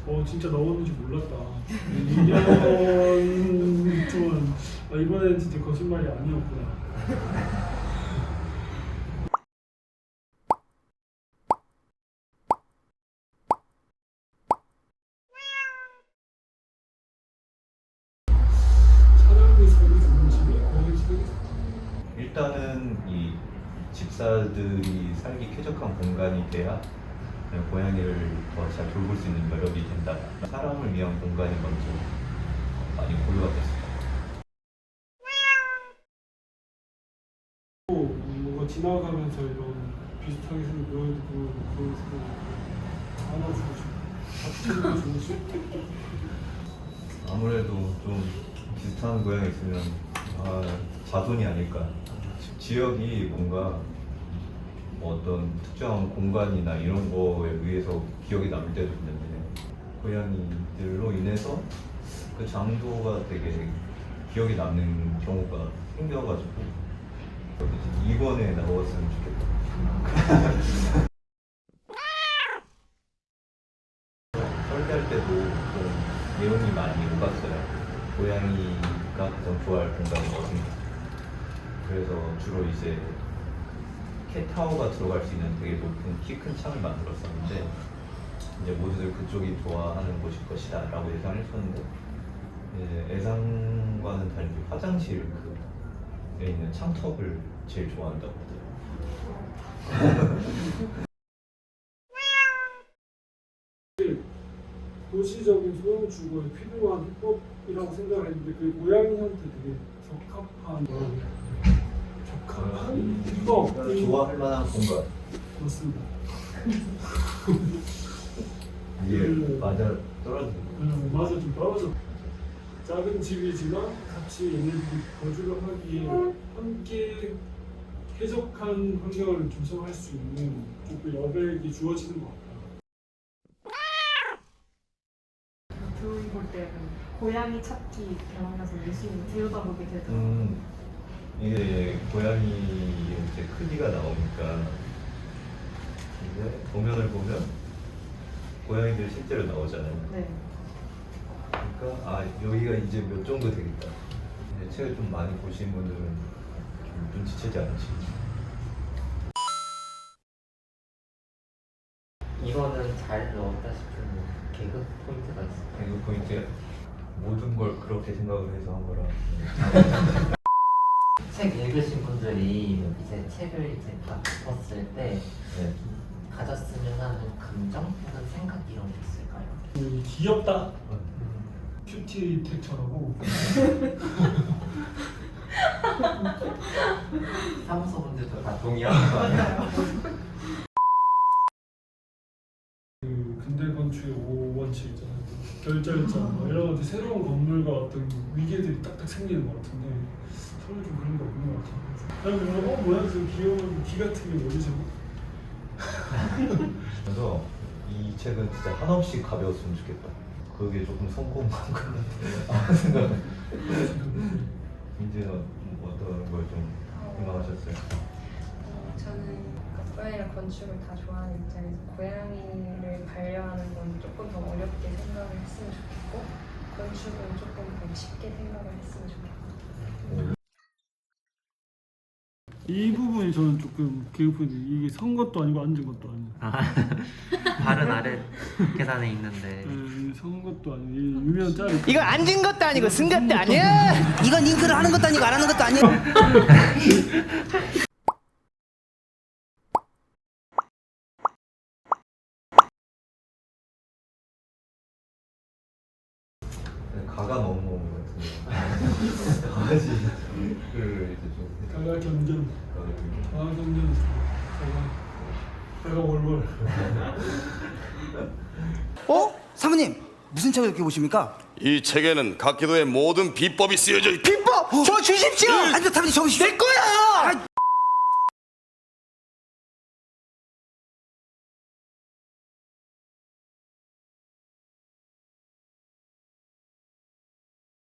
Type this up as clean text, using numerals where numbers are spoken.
진짜 나오는지 몰랐다. 2년 동안 이번엔 진짜 거짓말이 아니었구나. 사람이 살기 좋은 집이 거의 살기 좋다. 일단은 이 집사들이 살기 쾌적한 공간이 돼야 고양이를 더 잘 돌볼 수 있는 여력이 된다. 사람을 위한 공간이 먼저 많이 고려가 됐습니다. 뭔가 지나가면서 이런 비슷하게 생긴 묘도 그런 안아주고 싶고 같이 주고 싶고. 아무래도 좀 비슷한 고양이 있으면 자손이 아닐까. 지역이 뭔가 어떤 특정한 공간이나 이런 거에 의해서 기억이 남을 때도 있는데 고양이들로 인해서 그 장소가 되게 기억이 남는 경우가 생겨가지고 이번에 나왔으면 좋겠다. 설계할 때도 좀 내용이 많이 오갔어요. 고양이가 가장 좋아할 공간이 어딘가. 그래서 주로 이제 캣타워가 들어갈 수 있는 되게 높은 키 큰 창을 만들었었는데 이제 모두들 그쪽이 좋아하는 곳일 것이다 라고 예상을 했었는데 이제 예상과는 달리 화장실에 있는 창턱을 제일 좋아한다고 하더라고요. 도시적인 소형 주거에 필요한 해법이라고 생각을 했는데 그 고양이한테 되게 적합한 해법 좋아할 만한 공간. 맞습니다. 이게 맞아 떨어지는 맞아, 좀 떨어져. 작은 집이지만 같이 얘네들이 거주를 하기에 함께 쾌적한 환경을 조성할 수 있는 조금 여백이 주어지는 것 같아요. 드론 볼 때 고양이 찾기 병원에서 열심히 들여다보게 되더라고요. 이게 고양이 이제 크기가 나오니까 이제 도면을 보면 고양이들이 실제로 나오잖아요. 네. 그러니까 여기가 이제 몇 정도 되겠다. 이제 책을 좀 많이 보신 분들은 좀 눈치채지 않으시겠죠. 이거는 잘 넣었다 싶은 개그 포인트가 있어요. 이거 포인트 모든 걸 그렇게 생각을 해서 한 거라. 책 읽으신 분들이 이제 책을 이제 다 덮었을 때 네. 가졌으면 하는 감정 혹은 생각 이런 게 있을까요? 귀엽다. 큐티 텍처라고. 사무소 분들도 다 동의하는 거 아니에요? 그 근대 건축의 5원칙 있잖아요. 결절자 이런 것들 새로운 건물과 어떤 위계들이 딱딱 생기는 것 같은데 서울 좀 그런 게 없는 것 같아요. 그러면 뭐야 저 귀여운 귀 같은 게 뭐지 저거? 그래서 이 책은 진짜 한없이 가벼웠으면 좋겠다. 그게 조금 성공한 것 같아 생각은. 이제는 어떤 걸 좀 희망하셨어요? 저는 고양이랑 건축을 다 좋아하는 입장에서 고양이를 반려하는 건 조금 더 어렵게 생각을 했으면 좋겠고 건축은 조금 더 쉽게 생각을 했으면 좋겠고 이 부분이 저는 조금 개그포인트. 이게 선 것도 아니고 앉은 것도 아니고. 발은 아래 계단에 있는데 선 것도 아니고 이 유명 짤. 이거 앉은 것도 아니고 쓴 것도 아니야. 이건 잉크를 하는 것도 아니고 안 하는 것도 아니야. 가가 너무 같은데 강아지를 이제 좀 가가 견전. 가가 견전. 가가 월월. 사모님 무슨 책을 이렇게 보십니까? 이 책에는 각기도의 모든 비법이 쓰여져 있다. 비법 저 주십시오. 아니 사모님 저 내 거야.